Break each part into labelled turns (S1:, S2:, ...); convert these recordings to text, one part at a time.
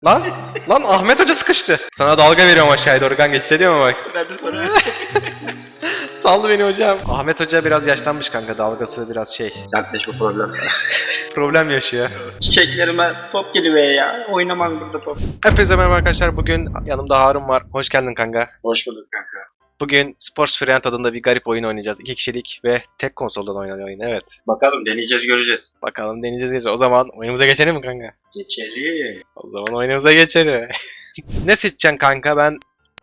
S1: Lan lan Ahmet Hoca sıkıştı. Sana dalga veriyorum aşağıya doğru kanka, hissediyor musun bak?
S2: Ben de sana.
S1: Saldı beni hocam. Ahmet Hoca biraz yaşlanmış kanka, dalgası biraz şey.
S2: Sertleşme problem.
S1: Problem yaşıyor.
S2: Çiçeklerime top geliyor ya. Oynamam burada top.
S1: Hepinize merhaba arkadaşlar, bugün yanımda Harun var. Hoş geldin kanka.
S2: Hoş bulduk kanka.
S1: Bugün Sports Friend adında bir garip oyun oynayacağız. 2 kişilik ve tek konsoldan oynanan oyun, evet.
S2: Bakalım deneyeceğiz göreceğiz.
S1: Bakalım deneyeceğiz. O zaman oyunumuza geçelim mi kanka?
S2: Geçelim.
S1: O zaman oyunumuza geçelim. Ne seçeceksin kanka? Ben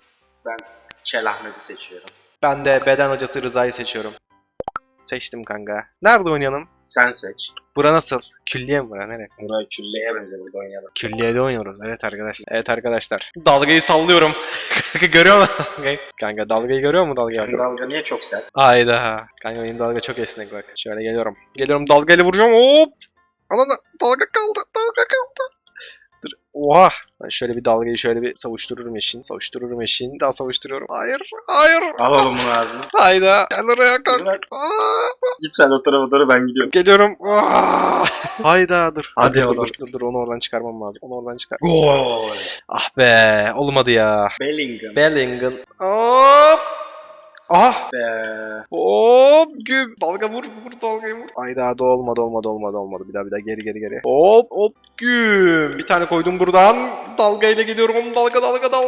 S2: Ahmet'i seçiyorum.
S1: de beden hocası Rıza'yı seçiyorum. Seçtim kanka. Nerede oynayalım?
S2: Sen seç.
S1: Bura nasıl? Külliye mi bura? Nereye?
S2: Burayı külleye benzer burada oynayalım.
S1: Külliyede oynuyoruz. Evet arkadaşlar. Evet arkadaşlar. Dalgayı sallıyorum. Kanka görüyor musun dalgayı? Kanka dalgayı görüyor musun dalgayı?
S2: Senin dalga niye çok sert?
S1: Hayda. Kanka benim dalga çok esnek bak. Şöyle geliyorum. Geliyorum, dalgayla vuracağım. Hop. Anana dalga kaldı. Dalga kaldı. Dur. Oha. Ben şöyle bir dalgayı şöyle bir savuştururum eşin. Savuştururum eşin. Daha savuşturuyorum. Hayır. Hayır.
S2: Al oğlum bunu ağzına.
S1: Hayda. Gel oraya kanka.
S2: Bırak.
S1: Aa.
S2: Git sen o tarafa doğru ben gidiyorum.
S1: Geliyorum. Aa. Hayda dur.
S2: Hadi
S1: dur,
S2: oğlum.
S1: dur onu oradan çıkarmam lazım. Onu oradan çıkar.
S2: Gol.
S1: Ah be. Olmadı ya.
S2: Bellingham.
S1: Bellingham. Hop. Ah.
S2: Be.
S1: Hop. Güm. Dalga vur. Vur dalgayı vur. Hayda da olmadı. Bir daha geri. Hop. Güm. Bir tane koydum buradan. Dalgayla gidiyorum. Dalga.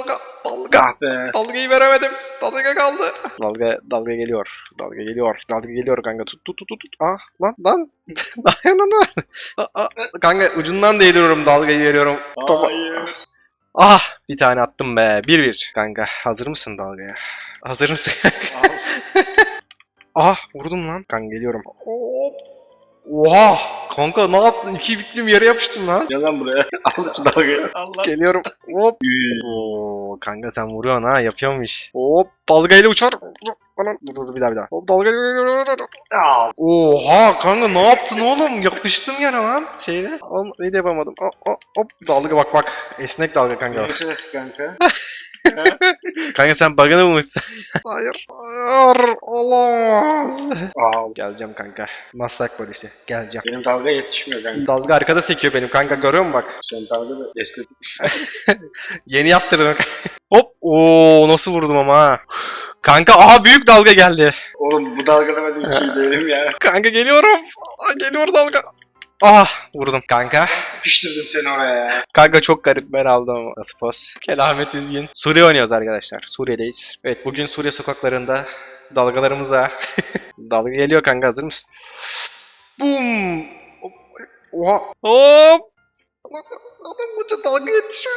S2: Ah be.
S1: Dalgayı veremedim. Dalga kaldı. Dalga geliyor. Dalga geliyor kanka. Tut. Ah lan. Dayanana. Kanka ucundan değdiriyorum, dalgayı veriyorum. Topa.
S2: Hayır.
S1: Ah, bir tane attım be. 1-1. Kanka hazır mısın dalgaya? Hazır mısın? Ah, vurdum lan. Kanka geliyorum. Hop. Oha! Kanka ne yaptın? 2 biklim yere yapıştın lan.
S2: Gel lan buraya. Al şu dalgayı. Allah.
S1: Geliyorum. Hop. Oo, kanka sen vuruyorsun ha, yapıyormuş. Hop, dalgayla uçar. Anan, dur bir daha. Hop, dalgayla.
S2: Al.
S1: Oha kanka ne yaptın oğlum? Yapıştım yine lan şeyle. Oğlum ne de yapamadım. Hop, dalga bak. Esnek dalga kanka.
S2: Geçeceğiz kanka.
S1: Kanka sen bug'ını bulmuşsun. Hayır. Olamaz.
S2: Al.
S1: Geleceğim kanka. Maslak polisi. Geleceğim.
S2: Benim dalga yetişmiyor kanka.
S1: Dalga arkada sekiyor benim kanka, görüyor musun bak.
S2: Senin dalga da estetik.
S1: Yeni yaptırdım. Hop. Oo nasıl vurdum ama ha. Kanka aha büyük dalga geldi.
S2: Oğlum bu dalgada ben hiç iyi değilim ya.
S1: Kanka geliyorum. Geliyor dalga. Ah vurdum kanka.
S2: Sıkıştırdım seni oraya ya.
S1: Kanka çok garip, ben aldım ama. Nasıl poz? Kelamet üzgün. Suriye oynuyoruz arkadaşlar. Suriye'deyiz. Evet bugün Suriye sokaklarında dalgalarımıza dalga geliyor kanka, hazır mısın? Boom! Oha! Hop! Adam uca dalga yetişiyor.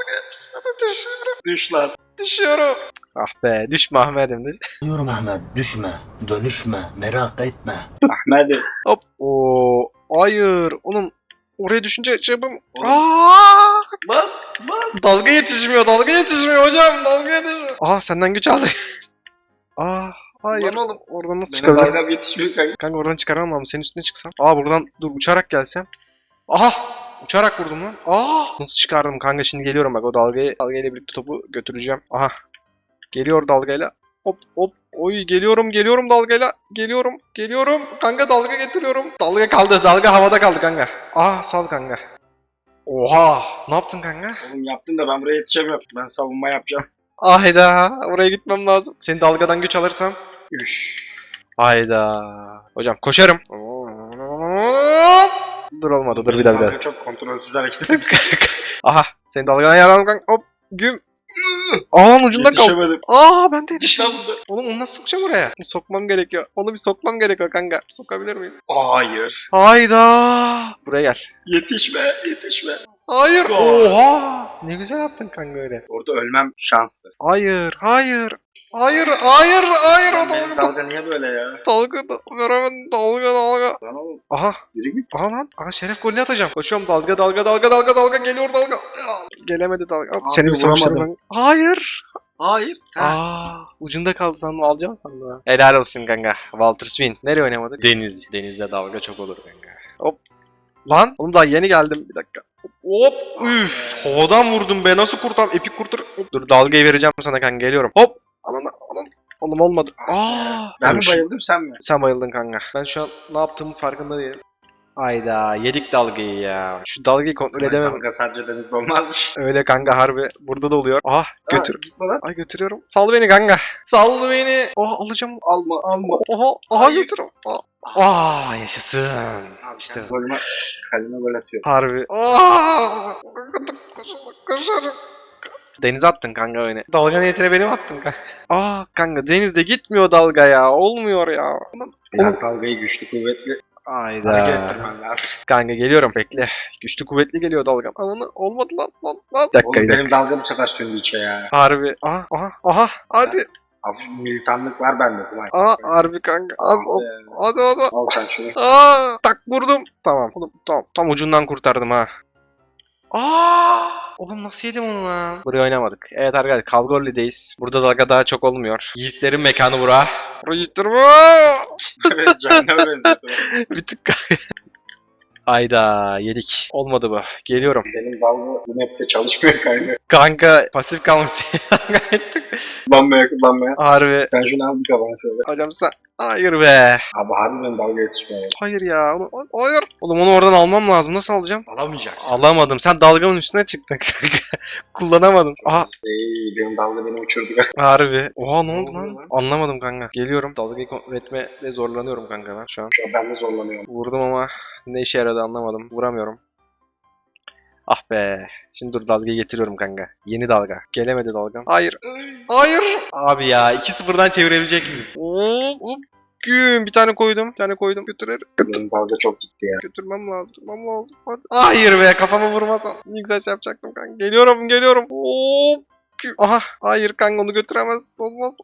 S2: Düş lan.
S1: Düşüyorum. Ah be, düşme Ahmet'im.
S3: Diyorum Ahmet, düşme, dönüşme, merak etme.
S2: Ahmet'i.
S1: Hop! Oo! Hayır! Oğlum oraya düşünce çabuk.
S2: Oğlum.
S1: Aa!
S2: Bak.
S1: Dalga yetişmiyor hocam, dalga yetişmiyor. Aha senden güç aldı. Hayır.
S2: Lan oğlum.
S1: Oradan nasıl
S2: Benim
S1: çıkabilirim?
S2: dalgam yetişmiyor kanka.
S1: Kanka oradan çıkaramam mı? Senin üstüne çıksam. Buradan dur, uçarak gelsem. Aha! Uçarak vurdum lan. Nasıl çıkardım kanka, şimdi geliyorum bak, o dalgayla birlikte topu götüreceğim. Aha. Geliyor dalgayla. Hop. Oy geliyorum dalgayla. Geliyorum. Kanka dalga getiriyorum. Dalga kaldı. Dalga havada kaldı kanka. Sal kanka. Oha! Ne yaptın kanka?
S2: Oğlum yaptın da ben buraya yetişemiyorum. Ben savunma yapacağım.
S1: Hayda, oraya gitmem lazım. Seni dalgadan güç alırsam.
S2: Üş.
S1: Hayda. Hocam koşarım. Dur olmadı, dur bir daha.
S2: Dalga çok kontrolsüz hareket ettim.
S1: Aha, seni dalgadan yaralandım kanka. Hop, güm. Lan ucunda kaldı.
S2: Yetişemedim.
S1: Ben de
S2: İşte
S1: yetiştim.
S2: burada.
S1: Oğlum onu nasıl sokacağım oraya? Sokmam gerekiyor. Onu bir sokmam gerekiyor kanka. Sokabilir miyim?
S2: Hayır.
S1: Hayda. Buraya gel.
S2: Yetişme.
S1: Hayır.
S2: Gol.
S1: Oha. Ne güzel attın kanka öyle.
S2: Orada ölmem şanstı.
S1: Hayır. O
S2: Benim dalga niye böyle ya?
S1: Dalga veremedim. Dalga.
S2: Lan oğlum.
S1: Aha.
S2: Yürü git.
S1: Lan. Şeref golünü atacağım. Koşuyorum, dalga. Geliyor dalga. Gelemedi dalga.
S2: Abi,
S1: Seni bir savuşturayım
S2: vuramadım.
S1: ben. Hayır.
S2: Hayır.
S1: Ucunda kaldı sandım, alacağım sandım ha. Helal olsun kanka. Walter Swin. Nereye oynamadık? Deniz. Denizde dalga çok olur kanka. Hop. Lan. Oğlum daha yeni geldim. Bir dakika. Hop. Üf. Havadan vurdum be. Nasıl kurtam? Epik kurtar. Dur dalgayı vereceğim sana kanka. Geliyorum. Hop. Anam. Oğlum olmadı.
S2: Ben mi bayıldım sen mi?
S1: Sen bayıldın kanka. Ben şu an ne yaptığımın farkında değilim. Ayda yedik dalgayı ya. Şu dalgayı kontrol edemem.
S2: Dalga sadece denizde olmazmış.
S1: Öyle kanka harbi. Burada da oluyor. Ah götür.
S2: Ha, gitme lan.
S1: Ay götürüyorum. Sal beni kanka. Sal beni. Oh alacağım.
S2: Alma alma.
S1: Aha götürüyorum. Yaşasın.
S2: Abi
S1: İşte
S2: sen golüme kaleme gol atıyor.
S1: harbi. Koşarım. Denize attın kanka beni. Dalga niyetine beni mi attın kanka? Kanka denizde gitmiyor dalga ya. Olmuyor ya.
S2: Biraz dalgayı güçlü kuvvetli hareket
S1: Ayda.
S2: ettirmen lazım.
S1: Kanka geliyorum bekle. Güçlü kuvvetli geliyor dalgam. Ananı olmadı lan. Bir dakika,
S2: Oğlum
S1: bir dakika.
S2: benim dalga bu sefer söndü içe ya.
S1: Harbi. Aha. Hadi.
S2: Hafif militanlık var bende. Kumay.
S1: Harbi kanka. Hadi.
S2: Al sen şunu.
S1: Tak vurdum. Tamam. Oğlum tam ucundan kurtardım ha. Oğlum nasıl yedim onu lan? Buraya oynamadık. Evet arkadaşlar Kalgorli'deyiz. Burada dalga daha çok olmuyor. Yiğitlerin mekanı bura. Buraya yiğitlerim.
S2: Evet canına benziyordu.
S1: Bir tık. Ayda yedik. Olmadı bu. Geliyorum.
S2: Benim dalga bu map'te çalışmıyor kanka.
S1: Kanka pasif kalmış.
S2: Kullanmaya.
S1: Harbi.
S2: Sen şunu al bir kaban şöyle.
S1: Hocam sen. Hayır be.
S2: Abi harbiden dalga yetişmiyor.
S1: Hayır ya. Hayır. Oğlum onu oradan almam lazım. Nasıl alacağım?
S2: Alamayacaksın.
S1: Alamadım. Sen dalgamın üstüne çıktın kanka. Kullanamadım.
S2: Benim dalga beni uçurdu.
S1: Harbi. Oha ne oldu
S2: Ne oldu
S1: lan?
S2: lan?
S1: Anlamadım kanka. Geliyorum. Dalgayı kontrol etmede zorlanıyorum kanka ben şu an.
S2: Şu an ben de zorlanıyorum.
S1: Vurdum ama ne işe yaradı anlamadım. Vuramıyorum. Ah be. Şimdi dur dalgayı getiriyorum kanka. Yeni dalga. Gelemedi dalgam. Hayır. Abi ya 2-0'dan çevirebilecek miyim? Güm. Bir tane koydum. Götürer.
S2: Benim dalga çok gitti ya.
S1: Götürmem lazım. Hadi. Hayır be kafama vurmasam. Ne güzel şey yapacaktım kanka. Geliyorum. Hop. Aha. Hayır kanka onu götüremez. Olmaz.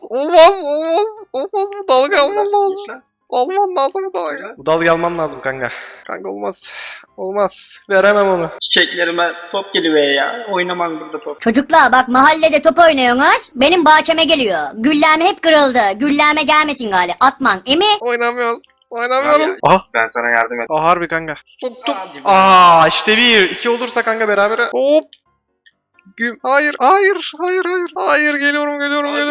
S1: Bu dalga almam lazım. Alman lazım bu dalga. Bu dalga almam lazım kanka. Kanka olmaz. Veremem onu.
S2: Çiçeklerime top geliver ya. Oynamam burada top.
S4: Çocuklar bak mahallede top oynuyorsunuz. Benim bahçeme geliyor. Güllem hep kırıldı. Gülleme gelmesin gali. Atman. Emi?
S1: Oynamıyoruz.
S2: Ben sana yardım et.
S1: Harbi kanka. Soktum.
S2: Hadi be.
S1: İşte 1-2 olursa kanka berabere. Hop. Güm. Hayır. Hayır geliyorum.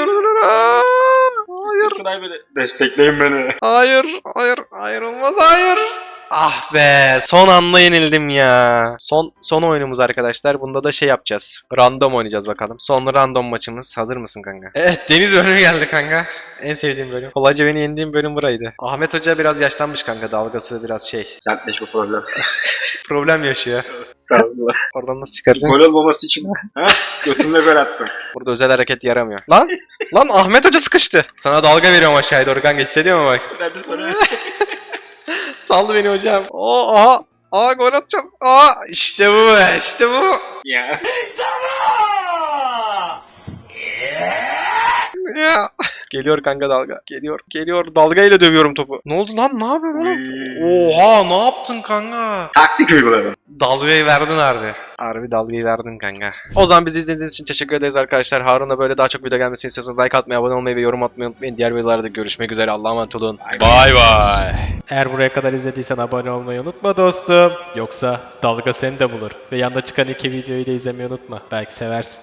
S1: Hayır.
S2: Şunay beni. Destekleyin beni.
S1: Hayır olmaz. Ah be son anda yenildim ya. Son oyunumuz arkadaşlar. Bunda da şey yapacağız. Random oynayacağız bakalım. Son random maçımız. Hazır mısın kanka? Evet deniz bölümü geldi kanka. En sevdiğim bölüm. Kolayca beni yendiğim bölüm buraydı. Ahmet Hoca biraz yaşlanmış kanka. Dalgası biraz şey.
S2: Sertleş bu problem.
S1: Problem yaşıyor.
S2: Estağfurullah.
S1: Oradan nasıl çıkaracaksın?
S2: Gol olmaması için. Ha? Götümle gol attım.
S1: Burada özel hareket yaramıyor. Lan Ahmet Hoca sıkıştı. Sana dalga veriyorum aşağıya doğru kanka. Hissediyor musun bak?
S2: Ben de sana.
S1: Saldı beni hocam. Gol atacağım. İşte bu.
S2: Ya.
S1: Ya. Geliyor kanka dalga. Geliyor. Dalgayla dövüyorum topu. Ne oldu lan? Ne yapıyorsun oğlum? Oha ne yaptın kanka?
S2: Taktik uyguladım.
S1: Dalgayı verdin harbi. Harbi dalgayı verdin kanka. O zaman bizi izlediğiniz için teşekkür ederiz arkadaşlar. Harun'la böyle daha çok video gelmesini istiyorsanız like atmayı, abone olmayı ve yorum atmayı unutmayın. Diğer videolarda görüşmek üzere. Allah'a emanet olun. Bay bay.
S5: Eğer buraya kadar izlediysen abone olmayı unutma dostum. Yoksa dalga seni de bulur. Ve yanda çıkan iki videoyu da izlemeyi unutma. Belki seversin.